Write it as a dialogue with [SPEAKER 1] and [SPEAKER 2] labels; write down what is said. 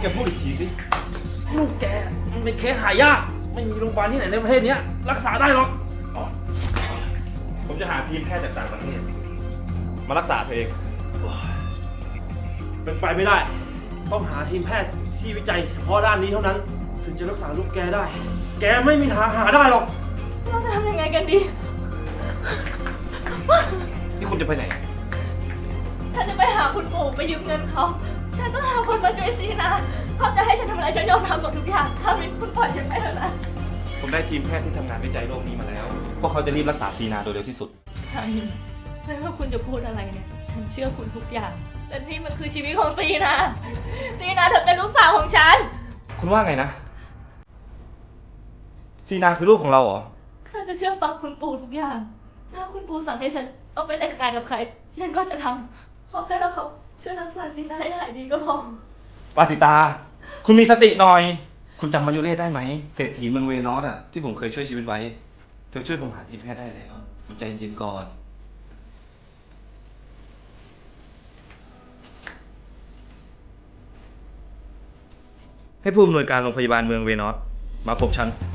[SPEAKER 1] กพูดอีกทีสิลูกแกมันเป็นเคสหายากไม่มีโรงพยาบาลที่ไหนในประเทศนี้รักษาได้หรอกผมจะหาทีมแพทย์จากต่างประเทศมารักษาเธอเองเป็นไปไม่ได้ต้องหาทีมแพทย์ที่วิจัยเฉพาะด้านนี้เท่านั้นถึงจะรักษาลูกแกได้แกไม่มีทางหาได้หรอก
[SPEAKER 2] เราจะทำยังไงกันดี
[SPEAKER 1] นี่คุณจะไปไหน
[SPEAKER 2] ฉันจะไปหาคุณปู่ไปยืมเงินเขาฉันต้องหาคนมาช่วยซีนะเขาจะให้ฉันทำอะไรฉันยอมทำหมดทุกอย่างถ้าวินคุณปล่อยฉันไปเถอะนะ
[SPEAKER 1] ผมได้ทีมแพทย์ที่ทำงานวิจัยโรคนี้มาแล้วพวกเขาจะรีบรักษาซีนาโดยเร็วที่สุด
[SPEAKER 2] ทางนี้ไม่ว่าคุณจะพูดอะไรเนี่ยฉันเชื่อคุณทุกอย่างแต่นี่มันคือชีวิตของซีนาซีนาเธอเป็นลูกสาวของฉัน
[SPEAKER 1] คุณว่าไงนะซีนาคือลูกของเราเหรอ
[SPEAKER 2] ข้าจะเชื่อฟังคุณปู่ทุกอย่างถ้าคุณปู่สั่งให้ฉันเอาไปแต่งงานกับใครฉันก็จะทำขอแค่เราเขาช่วยรักษาซีนาให้หายดีก็พอ
[SPEAKER 1] ปาสิตาคุณมีสติหน่อยคุณจำมายุเรศได้ไหมเศรษฐีเมืองเวนอสที่ผมเคยช่วยชีวิตไว้เธอช่วยผมหาทีมแพทย์ได้แล้วคุณใจเย็นๆก่อนให้ผู้อำนวยการโรงพยาบาลเมืองเวนอสมาพบฉัน